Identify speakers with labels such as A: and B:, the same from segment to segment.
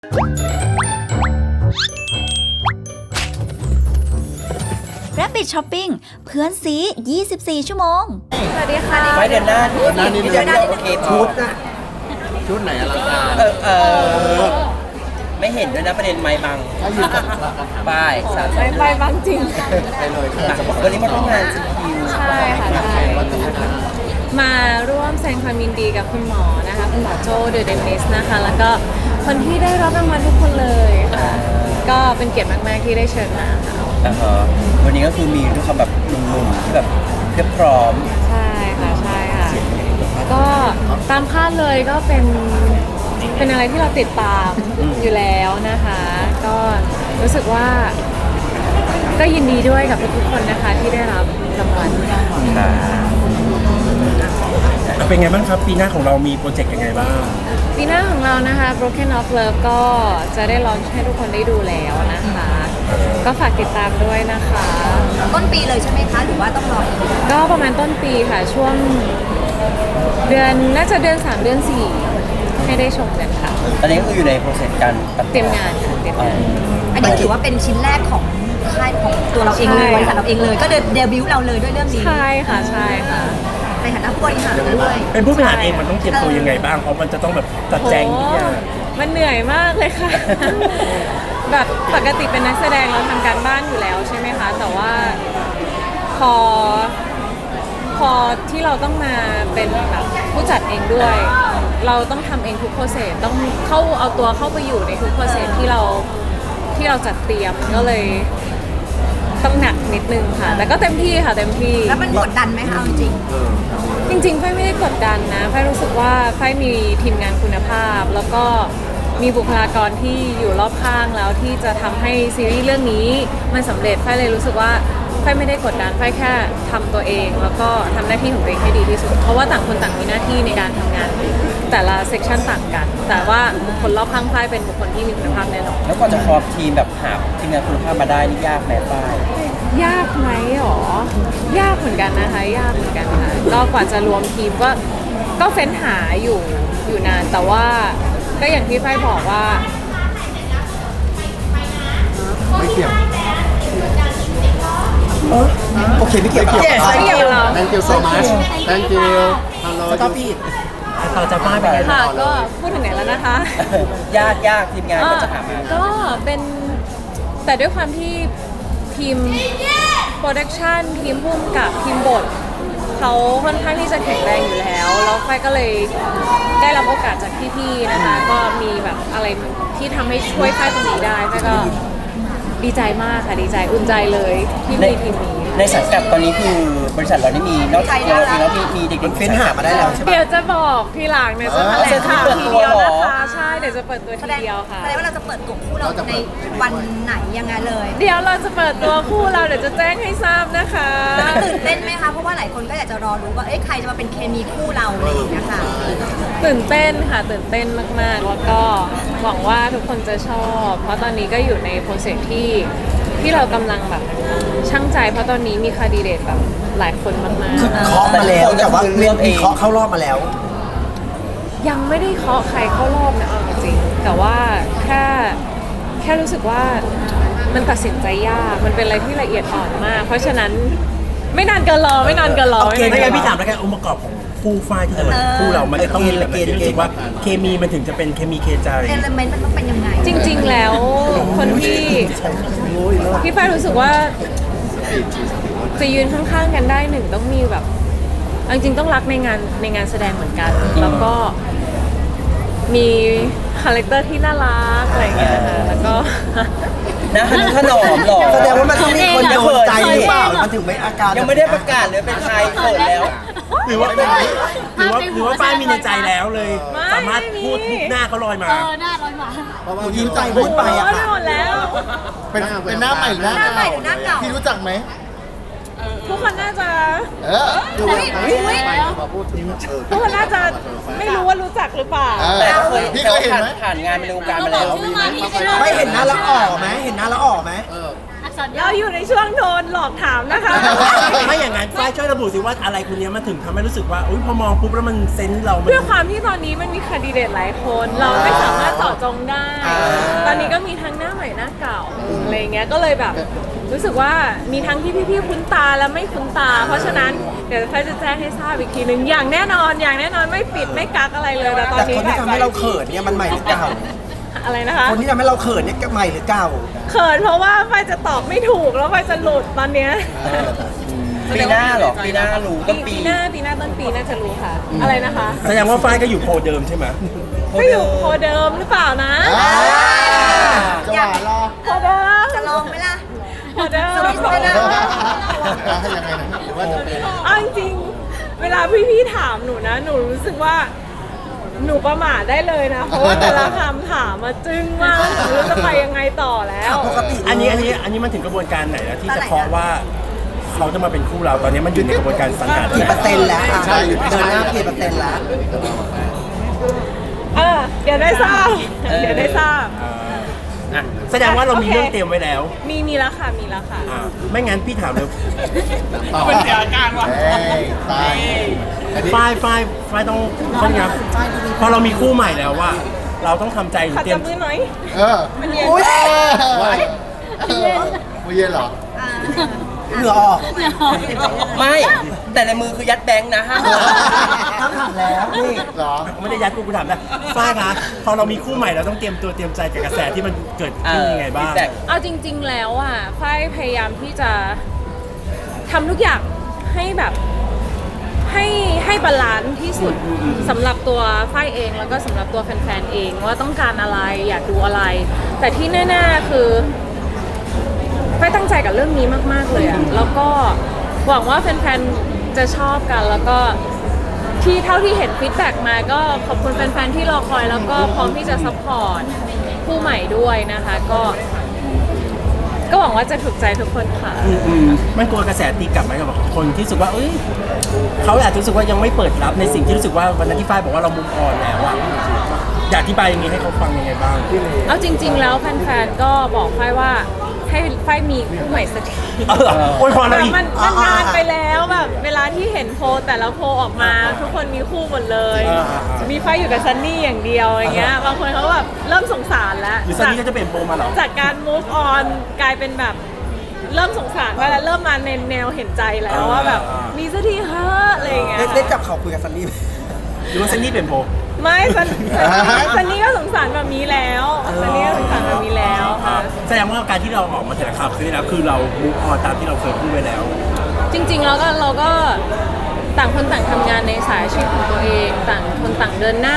A: Rabbit Shopping เพื่อนซี24 ชั่วโมง
B: สวัสดีค่ะ
C: ไว้เดือนหน้านี่เดือนหน้าโอเคชุดนะ
D: ชุดไหนอลังการ
C: ไม่เห็นด้วยนะประเด็นไม้บังป้ายสาม
B: ไปบางจริง
D: ไปเลย
C: วันนี้มาร่วมงานCQ
B: ใช่ค่ะใช่มาร่วมแสดงความยินดีกับคุณหมอนะคะคุณหมอโจเดอะเดนิสนะคะแล้วก็คนที่ได้รับรางวัลทุกคนเลยค่ะก็เป็นเกียรติมากๆที่ได้เชิญมาค่ะ
C: วันนี้ก็คือมีด้วยคำแบบหนุ่มๆที่แบบเพียบพร้อม
B: ใช่ค่ะใช่ค่ะก็ตามคาดเลยก็เป็นอะไรที่เราติดตามอยู่แล้วนะคะ ก็รู้สึกว่าก็ยินดีด้วยกับทุกๆคนนะคะที่ได้รับรางวัล
D: เป็นไงบ้างครับปีหน้าของเรามีโปรเจกต์ยังไงบ้าง
B: ปีหน้าของเรานะคะ Broken of Love ก็จะได้ลอนช์ให้ทุกคนได้ดูแล้วนะคะ ก็ฝากติดตามด้วยนะคะ
A: ต้นปีเลยใช่ไหมคะ หรือว่าต้องรออีก
B: ก็ประมาณต้นปีค่ะช่วงเดือนน่าจะเดือน 3 เดือน 4 ให้ได้ชมกันค่ะ
C: ตอนนี้ก็คืออยู่ในโปรเซสการตัด
B: เตรียมงานค่ะเตรียมงาน
A: อันนี้ถือว่าเป็นชิ้นแรกของค่ายของตัวเราเองเลย
B: ใช่
A: บริษัทเราเองเลย ก็เดบิวต์เราเลยด้วยเรื่องนี้
B: ใช่ค่ะใช่ค่ะ
A: ในฐานะผู้บริหารด้วย
D: เป็นผู้บริหารเองมันต้องเตรียมตัวยังไงบ้างเพราะมันจะต้องแบบจัดแจงทุกอย่าง
B: มันเหนื่อยมากเลยค่ะ แบบปกติเป็นนักแสดงเราทำการบ้านอยู่แล้วใช่ไหมคะ แต่ว่าพอที่เราต้องมาเป็นแบบผู้จัดเองด้วย เราต้องทำเองทุกโปรเซสต้องเอาตัวเข้าไปอยู่ในทุกโปรเซสที่เราจัดเตรียมก็เลยต้องหนักนิดนึงค่ะ แต่ก็เต็มที่ค่ะเต็มที่
A: แล้วมันกดดันไหมคะเอาจริง
B: จริงๆไฟไม่ได้กดดันนะไฟรู้สึกว่าไฟมีทีมงานคุณภาพ แล้วก็มีบุคลากรที่อยู่รอบข้างแล้วที่จะทำให้ซีรีส์เรื่องนี้มันสำเร็จไฟเลยรู้สึกว่าไฟไม่ได้กดดันไฟแค่ทำตัวเอง แล้วก็ทำหน้าที่ของตัวเองให้ดีที่สุด เพราะว่าต่างคนต่างมีหน้าที่ในการทำงาน แต่ละเซกชันต่างกัน แต่ว่าบุคคลรอบข้างไฟเป็นบุคคลที่มีคุณภาพแน่นอน
C: แล้วก็จะครอบทีมแบบหาทีมงานคุณภาพมาได้นี่ยากไหมป้าย
B: ยากไหมหรอยากเหมือนกันนะคะยากเหมือนกันค่ะก็กว่าจะรวมทีมก็เฟ้นหาอยู่นาน แต่ว่าก็อย่างที่ไฟบอกว่า
D: ไม่เกี่ยว
C: โอเคไม่เกี่ยวกับ
B: ไม่เกี่ยวกับเรา
D: Thank you so much Thank you Hello
C: สตอปปี้ต่อจากป้ายไปไง
B: ค่ะก็พูดถึงไหนแล้วนะคะ
C: ยากทีมงานก็จะหามา
B: ก็เป็นแต่ด้วยความที่ทีมโปรดักชันทีมพุ่มกับทีมบทเขาค่อนข้างที่จะแข็งแรงอยู่แล้วไฟก็เลยได้รับโอกาสจากพี่ๆนะคะ ก็มีแบบอะไรที่ทำให้ช่วยไฟตรงนี้ได้ไฟก็ดีใจมากค่ะดีใจอุ่นใจเลยที่มีทีมนี้
C: ในสังกัดตอนนี้คือบริษัทเรานี่มีนอกจากเราเองแล้วมีเด็กๆเฟ้นหามาได้แล้วใช่ไหม
B: เดี๋ยวจะบอกทีหลังเนี่ยจะแถลงข่าวทีเดียวนะคะใช่เดี๋ยวจะเปิดตัว
A: แส
B: ที
A: ดง
B: เดียวค่ะ
A: แสดงว่าเราจะเปิดตัวคู่เราในวันไหนยังไงเลย
B: เดี๋ยวเราจะเปิดตัวคู่เราเดี๋ยวจะแจ้งให้ทราบนะคะ
A: ตื่นเต้นไหมคะ เพราะว่าหลายคนก็อยากจะรอรู้ว่า เอ๊ะใครจะมาเป็นเคมีคู่เราอะไรอย่างเงี้ยค่ะ
B: ตื่นเต้นค่ะตื่นเต้นมากๆ แล้วก็หวังว่าทุกคนจะชอบ เพราะตอนนี้ก็อยู่ในโปรเซสที่เรากำลังแบบช่างใจ เพราะตอนนี้มีคาดีเดตแบบหลายคนมาก
C: เคาะมาแล้วแต่ว่าเรื่องมีเคาะเข้ารอบมาแล้ว
B: ๆยังไม่ได้เคาะใครเข้ารอบนะเอาจริงๆแต่ว่าแค่รู้สึกว่ามันตัดสินใจยากมันเป็นอะไรที่ละเอียดอ่อนมาก เพราะฉะนั้นไม่นานเกินรอไม่นานเกินรอ
D: โอเค
B: ไม่
D: ไม่
B: นาน
D: งั้น
B: เกิ
D: พี่
B: นร
D: ถา
B: อ
D: มแล้วกันองค์ประกอบของคู่ฝ้ายที่จะมาคู่เรามันจะต้องมีแบบไหนที่รู้สึกว่าเคมีมันถึงจะเป็นเคมีเคใจ
A: เอลเมนต์มันต้องเป็นยังไง
B: จริงๆ แล้วคนที่ฝ้ายรู้สึกว่าจะยืนข้างๆกันได้หนึ่งต้องมีแบบเอาจริงๆต้องรักในงานแสดงเหมือนกัน แล้วก็มีคาแรคเตอร์ที่น่ารักอะไรอย่างเงี้ยนะคะแล้วก็
C: นะขนมหรอ
E: แสดงว่ามันต้องมีคนโดนใจหรือเปล่า มันถึงไม่อาการ
C: ยังไม่ได้ประกาศเลยเป็นใครเขินแล้ว
D: หรือว่าฝ้ายมีในใจแล้วเลย สามารถพูดทุกหน้าเขาลอยมา
E: หนูยิ้มใจพูดไปอะ
B: โอ้ย
E: ค่ะ
B: หมดแล้ว
E: เป็นหน้าใหม่หรือหน้า
A: หน้าใหม่
E: เก่า
A: หรือหน้าเก่า
E: พี่รู้จักไหม
B: ทุกคนน่าจะ
E: เออดู
A: อุ๊ย
E: มาพูดถึง
B: ทุกคนน่าจะไม่รู้ว่ารู้จักหรือเปล่า
C: แต่เคย
E: พี่เคยเห็นไหม
C: ผ่านงานมาในวงการมาแล้ว
E: ไม่เห็นหน้าละอ่อไหมเห็นหน้าละอ่อไหม
F: อักษ
B: เราอยู่ในช่วงโดนหลอกถามนะคะ
D: ไม่อย่างนั้นฝ้ายช่วยระบุสิว่าอะไรคนนี้มันถึงทำให้รู้สึกว่าอุ้ยพอมองปุ๊บแล้วมันเซนส์เรามัน
B: ด้วยความที่ตอนนี้มันมีแคนดิเดตหลายคน เราไม่สามารถเจาะจงได้ ตอนนี้ก็มีทั้งหน้าใหม่หน้าเก่าอะไรเงี้ยก็เลยแบบรู้สึกว่ามีทั้งที่พี่ๆคุ้นตาและไม่คุ้นตา เพราะฉะนั้นเดี๋ยวไฟจะแจ้งให้ทราบอีกทีนึงอย่างแน่นอนไม่ปิดไม่กักอะไรเลยแต่ตอน
E: แต่
B: นี้
E: คนที่ทำให้เราเขินเนี่ยมันใหม่หรือเก่า
B: อะไรนะคะ
E: คนที่ทำให้เราเขินเนี่ยใหม่หรือเก่า
B: เขินเพราะว่าไฟจะตอบไม่ถูกแล้วไฟจะหลุดตอนเนี้ย
C: ปีหน้าเหรอปีหน้ารู้ต้นปี
B: ปีหน้าต้นปีน่าจะรู้ค่ะ อะไรนะคะ
D: แสดงว่าฝ้ายก็อยู่โพลเดิมใช่ไหม
B: ก็อยู่โคเดิมหรือเปล่านะ
E: จะหวานรอ
B: โคเดิม
A: จะลองไหมล่ะ
B: โคเดิม
A: สวิตช์ไปเลย
E: ยังไงนะหรือว่าจะเป็น
B: เอาจริงๆเวลาพี่ๆถามหนูนะ หนูรู้สึกว่าหนูประมาทได้เลยนะ เพราะว่าแต่ละคำถามมาจึ้งมากหนูไม่รู้จะไปยังไงต่อแล้ว
E: ปกติ
D: อันนี้มันถึงกระบวนการไหนแล้วที่จะเคาะว่าเขาจะมาเป็นคู่เราตอนนี้มันอยู่ในกระบวนการสังกัด
E: กี่เปอร์เซ็นต์แล้วใช่เดินหน้ากี่เปอร์เซ็นต์แล้ว
B: เดี๋ยวได้ทราบเดี๋ยวได้ทราบ
D: แสดงว่าเรามีเรื่องเตรียมไว้แล้ว
B: มีแล้วค่ะ
D: ไม่งั้นพี่ถามเลย
E: คนเดียวกันว่ะตาย
D: ฝ้ายต้องครับพอเรามีคู่ใหม่แล้วว่า เราต้องทำใจหรือ
B: ขัด
D: เตรีย
B: จั
D: ม
B: บมือหน่อย
F: มันเย็น
E: อุ้ย
F: ไม่เย็นเหรอ
E: เหงื่อออก
C: ไม่แต่ในมือคือยัดแบงค์นะห้าม
E: ต้องถามแล้วนี่
F: เหรอ
D: ไม่ได้ยัดกูถามนะฝ้ายคะพอเรามีคู่ใหม่เราต้องเตรียมตัวเตรียมใจกับกระแสที่มันเกิดขึ้นยังไงบ้าง
B: เอาจริง ๆ แล้วอ่ะฝ้ายพยายามที่จะทำทุกอย่างให้แบบให้บาลานซ์ที่สุดสำหรับตัวฝ้ายเองแล้วก็สำหรับตัวแฟนๆเองว่าต้องการอะไรอยากดูอะไร แต่ที่แน่ๆคือฝ้ายตั้งใจกับเรื่องนี้มากๆเลยอ่ะแล้วก็หวังว่าแฟนๆจะชอบกันแล้วก็ที่เท่าที่เห็นฟีดแบ็กมาก็ขอบคุณแฟนๆที่รอคอยแล้วก็พร้อมที่จะซัพพอร์ตผู้ใหม่ด้วยนะคะก็หวังว่าจะถูกใจทุกคนค่ะ
D: มันกลัวกระแสตีกลับไหมกับคนที่รู้สึกว่าเอ้ยเขาอาจจะรู้สึกว่ายังไม่เปิดรับในสิ่งที่รู้สึกว่าวันนั้นที่ฝ้ายบอกว่าเรามุมอ่อนแล้วอะอยากอธิบายอย่างนี้ให้เขาฟังยังไงบ้าง
B: เอาจริง ๆ แล้วแฟนๆก็บอกฝ้ายว่าให้ฝ้ายมีคู่ใหม่สักที
D: โอ้ยพอ
B: แบ
D: แล้ว
B: บ
D: อีก
B: มันนานไปแล้วแบบเวลาที่เห็นโพลแต่ละโพลออกมา ทุกคนมีคู่หมดเลย มีฝ้ายอยู่กับซันนี่อย่างเดียวอย่างเงี้ยบางคนเขาแบบเริ่มสงสารแล้ว
D: หรือซันนี่ก็จะเปลี่ยนโปรมาเหรอ
B: จากการ move on กลายเป็นแบบเริ่มสงสารไปแล้วเริ่มมาในแนวเห็นใจแล้วว่าแบบมีสักทีเฮ้อะอะไรอย่างเงี้ย
E: ได้จับเขาคุยกับซันนี่ไหม
D: หรือว่าซันนี่เปลี่ยนโปร
B: ไม่ซันนี่ก็สงสารแบบนี้แล้วซันนี่ก็สงสารแบบนี้แล้วค่ะ
D: แสดงว่าการที่เราออกมาแถลงข่าวคือแล้วคือเรามุกออนตามที่เราเคยพูดไว้แล้ว
B: จริงๆแล้วก็เราก็ต่างคนต่างทำงานในสายอาชีพของตัวเองต่างคนต่างเดินหน้า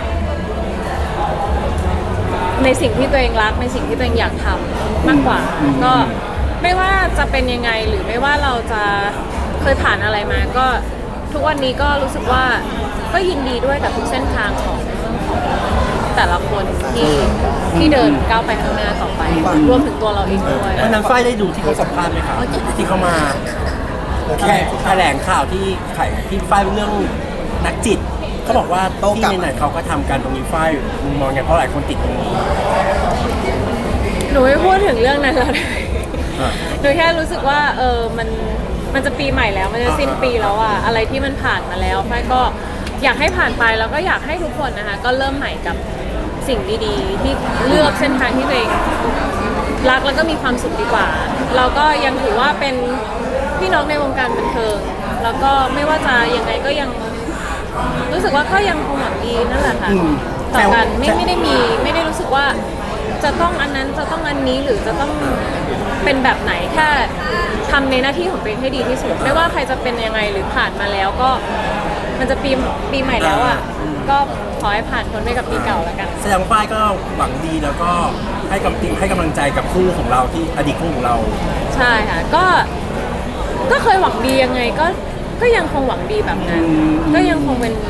B: ในสิ่งที่ตัวเองรักในสิ่งที่ตัวเองอยากทำมากกว่าก็ไม่ว่าจะเป็นยังไงหรือไม่ว่าเราจะเคยผ่านอะไรมาก็ทุกวันนี้ก็รู้สึกว่าก็ยินดีด้วยกับทุกเส้นทางของแต่ละคนที่เดินก้าวไปข้างหน้าต่อไปรวมถึงตัวเราเองด้วย
D: วันนั้นฝ้ายได้ดูที่เขาสัมภาษณ์ไหมครับที่เขามาแถลงข่าวที่ฝ้ายเรื่องนักจิตเขาบอกว่าที่ไหนๆเขาก็ทำการตรงนี้ฝ้ายมองไงเพราะหลายคนติดตรงนี้
B: หนูไม่พูดถึงเรื่องนั้นแล้วหนูแค่รู้สึกว่ามันจะปีใหม่แล้วมันจะสิ้นปีแล้วอะอะไรที่มันผ่านมาแล้วฝ้ายก็อยากให้ผ่านไปแล้วก็อยากให้ทุกคนนะคะก็เริ่มใหม่กับสิ่งดีๆที่เลือกเส้นทางที่ตัวเองรักแล้วก็มีความสุขดีกว่า เราก็ยังถือว่าเป็นพี่น้องในวงการบันเทิงแล้วก็ไม่ว่าจะยังไงก็ยังรู้สึกว่าก็ยังคงหวังดีนั่นแหละค่ะต่อกันไม่ได้รู้สึกว่าจะต้องอันนั้นจะต้องอันนี้หรือจะต้องเป็นแบบไหนแค่ทำในหน้าที่ของตัวเองให้ดีที่สุดไม่ว่าใครจะเป็นยังไงหรือผ่านมาแล้วก็มันจะปีใหม่แล้วอ่ะก็ขอให้ผ่านพ้นไปกับปีเก่าแล้วกัน
D: แสดงว่าฝ้ายก็หวังดีแล้วก็ให้กำลังใจกับคู่ของเราที่อดีตคู่ของเรา
B: ใช่ค่ะก็เคยหวังดียังไงก็ยังคงหวังดีแบบนั้นก็ยังคงเป็น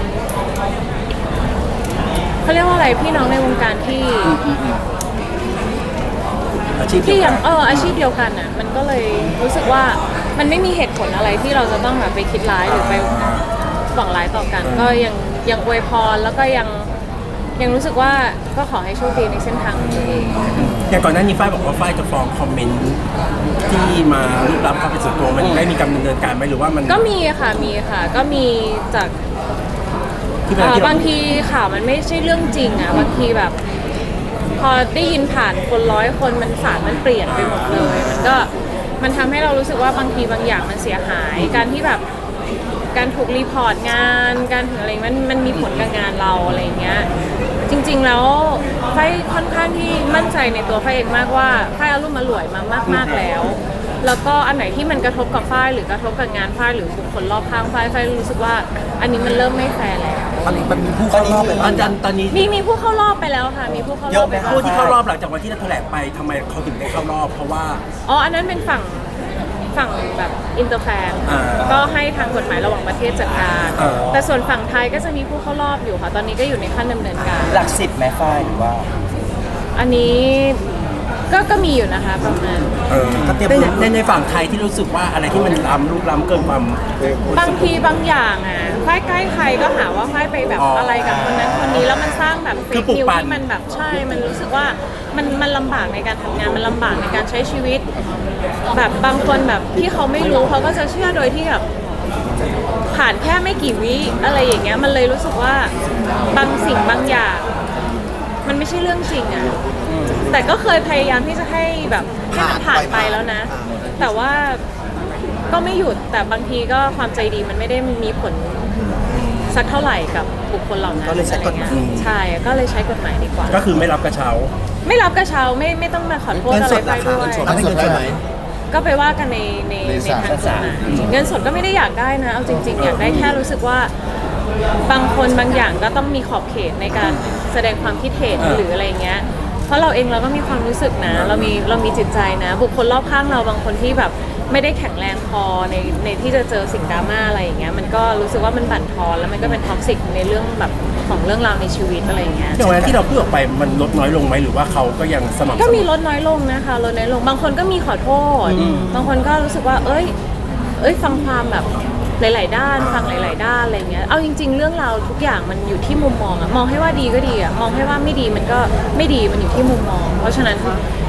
B: เขาเรียกว่าอะไรพี่น้องในวงการที่
D: อาชีพ
B: ที่ยังอาชีพเดียวกันอ่ะมันก็เลยรู้สึกว่ามันไม่มีเหตุผลอะไรที่เราจะต้องแบบไปคิดร้ายหรือไปหวังร้ายต่อกัน ก็ยังอวยพรแล้วก็ยังยังรู้สึกว่าก็ขอให้โชคดีในเส้นทางของตัวเอง
D: อย่างก่อนหน้านี้ฝ้ายบอกว่าฝ้ายจะฟ้องคอมเมนต์ที่มาลุกล้ำความเป็นส่วนตัวมันได้มีการดำเนินการไหมหรือว่ามัน
B: ก็มีค่ะก็มีจาก
D: ที่มันที่
B: บางทีข่าวมันไม่ใช่เรื่องจริงอ่ะบางทีแบบ พอได้ยินผ่านคน100 คนมันสารมันเปลี่ยนไปหมดเลยมันทำให้เรารู้สึกว่าบางทีบางอย่างมันเสียหายการที่แบบการถูกรีพอร์ตงานการถึงอะไรมันมีผลกับงานเราอะไรเงี้ยจริงๆแล้วไฟค่อนข้างที่มั่นใจในตัวไฟเองมากว่าไฟอารมณ์มาหลวยมากๆแล้วก็อันไหนที่มันกระทบกับฝ้ายหรือกระทบกับงานฝ้ายหรือบุคคลรอบข้างฝ้ายรู้สึกว่าอันนี้มันเริ่มไม่แฟร์แล้ว
E: ตอนนี้มันมีผู้เข้ารอบไป
D: ตอนนี้
B: มีผู้เข้ารอบไปแล้วค่ะมีผู้เข้ารอบไปแล้ว
D: ผู้ที่เข้ารอบหลังจากวันที่เราแถลงไปทำไมเขาถึงได้เข้ารอบ เพราะว่า
B: อ๋ออันนั้นเป็นฝั่งแบบอินเตอร์แฟนก็ให้ทางกฎหมายระหว่างประเทศจัดการ แต่ส่วนฝั่งไทยก็จะมีผู้เข้ารอบอยู่ค่ะตอนนี้ก็อยู่ในขั้นดำเนินการ
C: หลัก10แม่ฝ้ายหรือว่า
B: อันนี้ก็มีอยู่นะคะประมาณ
D: ในฝั่งไทยที่รู้สึกว่าอะไรที่มันลุกล้ำเกินความ
B: บางทีบางอย่างอ่ะฝ้ายใกล้ใครก็หาว่าฝ้ายไปแบบอะไรกับคนนั้นคนนี้แล้วมันสร้างแบบเฟกนิวที่มันแบบใช่มันรู้สึกว่ามันลำบากในการทำงานมันลำบากในการใช้ชีวิต แบบบางคนแบบที่เขาไม่รู้เขาก็จะเชื่อโดยที่แบบผ่านแค่ไม่กี่วิอะไรอย่างเงี้ยมันเลยรู้สึกว่าบางสิ่งบางอย่างมันไม่ใช่เรื่องจริงอ่ะแต่ก็เคยพยายามที่จะให้แบบให้มันผ่านไปแล้วนะ แต่ว่าก็ไม่หยุดแต่บางทีก็ความใจดีมันไม่ได้มีผลสักเท่าไหร่กับบุคคลเหล่านั้น
E: ก็เลยใช้กฎหมาย
B: ใช่ก็เลยใช้กฎหมายดีกว่า
D: ก็คือไม่รับกระเช้า
B: ไม่รับกระเช้าไม่ต้องมาขอโทษอะไรไปด้วย
F: เงินสดได้ไหม
B: ก็ไปว่ากันในทางกฎหมายเงินสดก็ไม่ได้อยากได้นะเอาจริงๆอยากได้แค่รู้สึกว่าบางคนบางอย่างก็ต้องมีขอบเขตในการแสดงความคิดเห็นหรืออะไรเงี้ยเพราะเราเองเราก็มีความรู้สึกนะเรามีจิตใจนะบุคคลรอบข้างเราบางคนที่แบบไม่ได้แข็งแรงพอในที่จะเจอสิ่งดราม่าอะไรอย่างเงี้ยมันก็รู้สึกว่ามันบั่นทอนแล้วมันก็เป็นท็อกซิกในเรื่องแบบของเรื่องราวในชีวิตอะไรอย่างเงี้ย
D: อย่างวันนั้นที่เราพูดออกไปมันลดน้อยลงไหมหรือว่าเขาก็ยังสม่ำเสมอ
B: ก็มีลดน้อยลงนะคะลดน้อยลงบางคนก็มีขอโทษบางคนก็รู้สึกว่าเอ้ยฟังความแบบหลายๆด้านฟังหลายๆด้านอะไรเงี้ยเอาจริงๆเรื่องราวทุกอย่างมันอยู่ที่มุมมองอะมองให้ว่าดีก็ดีอะมองให้ว่าไม่ดีมันก็ไม่ดีมันอยู่ที่มุมมอง เพราะฉะนั้น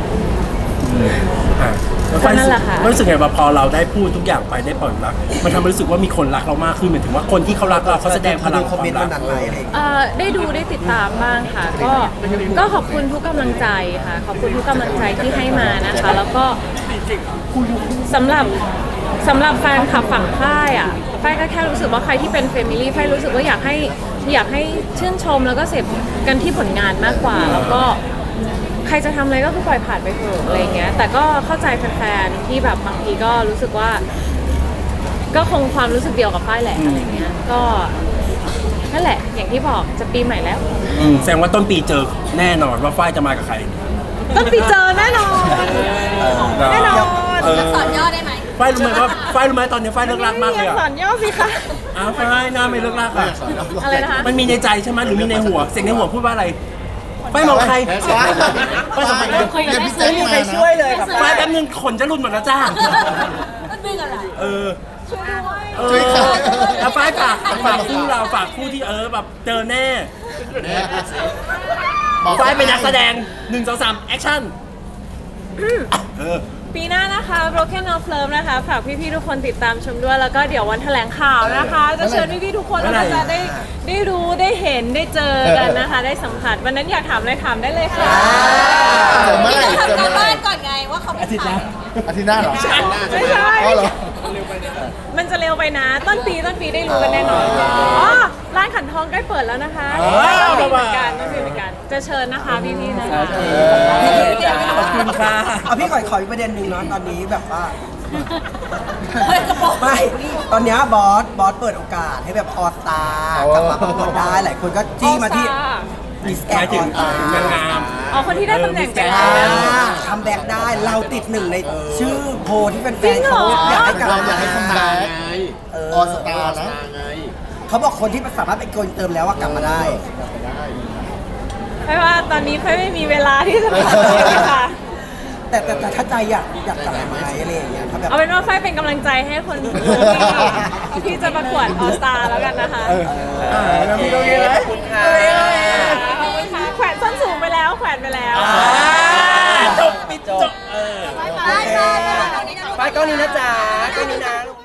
B: ก็นั่นแหละค่ะ
D: รู้สึกไงว่าพอเราได้พูดทุกอย่างไปได้ปล่อยรักมันทำให้รู้สึกว่ามีคนรักเรามากขึ้นเหมือนถึงว่าคนที่เขารักเราเขาแสดงพลัง
E: ค
D: ค
E: อม
D: วา
E: เมน
D: ม
E: ต์
D: รั
E: วั
D: ก
E: นนั้นไหมอะไรอย่างเงี้ย
B: ได้ดูได้ติดตามบ้างค่ะก็ขอบคุณทุกกำลังใจค่ะขอบคุณทุกกำลังใจที่ให้มานะคะ แล้วก็สำหรับแฟนคลับฝั่งค่ายอ่ะฝ้ายก็แค่รู้สึกว่าใครที่เป็นเฟมิลี่ฝ้ายรู้สึกว่าอยากให้ชื่นชมแล้วก็เสพกันที่ผลงานมากกว่า แล้วก็ใครจะทำอะไรก็คือปล่อยผ่านไปเถอะอะไรเงี้ยแต่ก็เข้าใจแฟนๆที่แบบบางทีก็รู้สึกว่า ก็คงความรู้สึกเดียวกับฝ้ายแหละอะไรเงี้ยก็นั่นแหละอย่างที่บอกจะปีใหม่แล้ว
D: แสดงว่าต้นปีเจอแน่นอนว่าฝ้ายจะมากับใคร
B: ต้นปีเจอแน่นอนแน่นอน
A: สอนย่อได้ไหม
D: ฝ้ายรู้ไหมว่าฝ้ายรู้ไหมตอนนี้ฝ้ายเลิกรักมากเลยอ่ะ
B: สอนย่อสิคะ
D: อ้าวฝ้ายหน้าไม่เลิกรักอ่ะ
B: อะไรนะคะ
D: มันมีในใจใช่ไหมหรือมีในหัวเสียงในหัวพูดว่าอะไรฝ้ายมองใครฝ้ายสัมผัสได้
F: เนี่ยพี่เจ
C: ไม่มีใครช่วยเลยครับ
D: ฝ้ายแป๊บนึงขนจะหลุดหมดแล้วจ้า
A: มันดึงอะไร
D: เออ
F: ช่วยใคร
D: แล้วฝ้ายฝากคู่เราฝากคู่ที่แบบเจอแน่ฝ้ายเป็นนักแสดง1 2 3แอคชั่น
B: ปีหน้านะคะ Broken of Love นะคะฝากพี่ๆทุกคนติดตามชมด้วยแล้วก็เดี๋ยววันแถลงข่าวนะคะ จะเชิญพี่ๆทุกคนนะคะจะได้รู้ได้เห็นได้เจอกันนะคะ ได้สัมผัสวันนั้นอยากถามอะไรถามได้เลยค่ะ
F: เจอเมื่อไหร่เจอ
A: ทำ
F: เมื่อไหร่
A: บ้านก่อนไงว่าเขาไม่ถ่าย
F: อาทิตย์หน้าเหรอ
B: ไม่ใช่
F: อ๋อเหรอ
B: มันจะเร็วไปนะ ต้นปีได้รู้กันแน่นอนอ๋อร้านขันทองใกล้เปิดแล้วนะคะต้นปีเหมือนกันจะเชิญนะคะพี่ๆนะคะ
D: ขอบคุณค่ะ
E: เอาพี่ขออีกประเด็นหนึ่งเนาะตอนนี้แบบว่าไม่ตอนเนี้ยบอสเปิดโอกาสให้แบบออสตากลับมาประกวดได้หลายคนก็จี้มาที่มิสแก
D: หมาย
E: น
D: ถึ
E: อง อสตาน
D: างงาม
B: อ๋อคนที่ได้ตำแหน่งไป
E: คัมแบ็กได้เราติดหนึ่งในชื่อโพลที่เป็นแฟ
B: จริ
E: น
B: งเหร
E: เขา
B: อ
E: อยากให้กลับ
F: เราอยากให้คัมแบ็ก
E: เออ
F: ออสตาร์นะ
E: เขาบอกคนที่สามารถไปโกนเติมแล้วว่ากลับมาได้
B: เพราะว่าตอนนี้เพื่ไม่มีเวลาที่จะทำเลยค่ะ
E: แต่ถ้าใจอยากกลับมาไหมอะไรอย่างเงี้ยถ้าแบบ
B: เอาเป็นว่าไฟเป็นกำลังใจให้คนที่จะประกวดออสตาแล้วกันนะคะ
C: แล้วพี่ตรงนี้เลยขอบคุณค่ะ
B: ขอบคุณ
D: จบปิดจบ
A: ไปไปไป
C: ไปกล้องนี้นะจ๊ะกล้องนี้นะ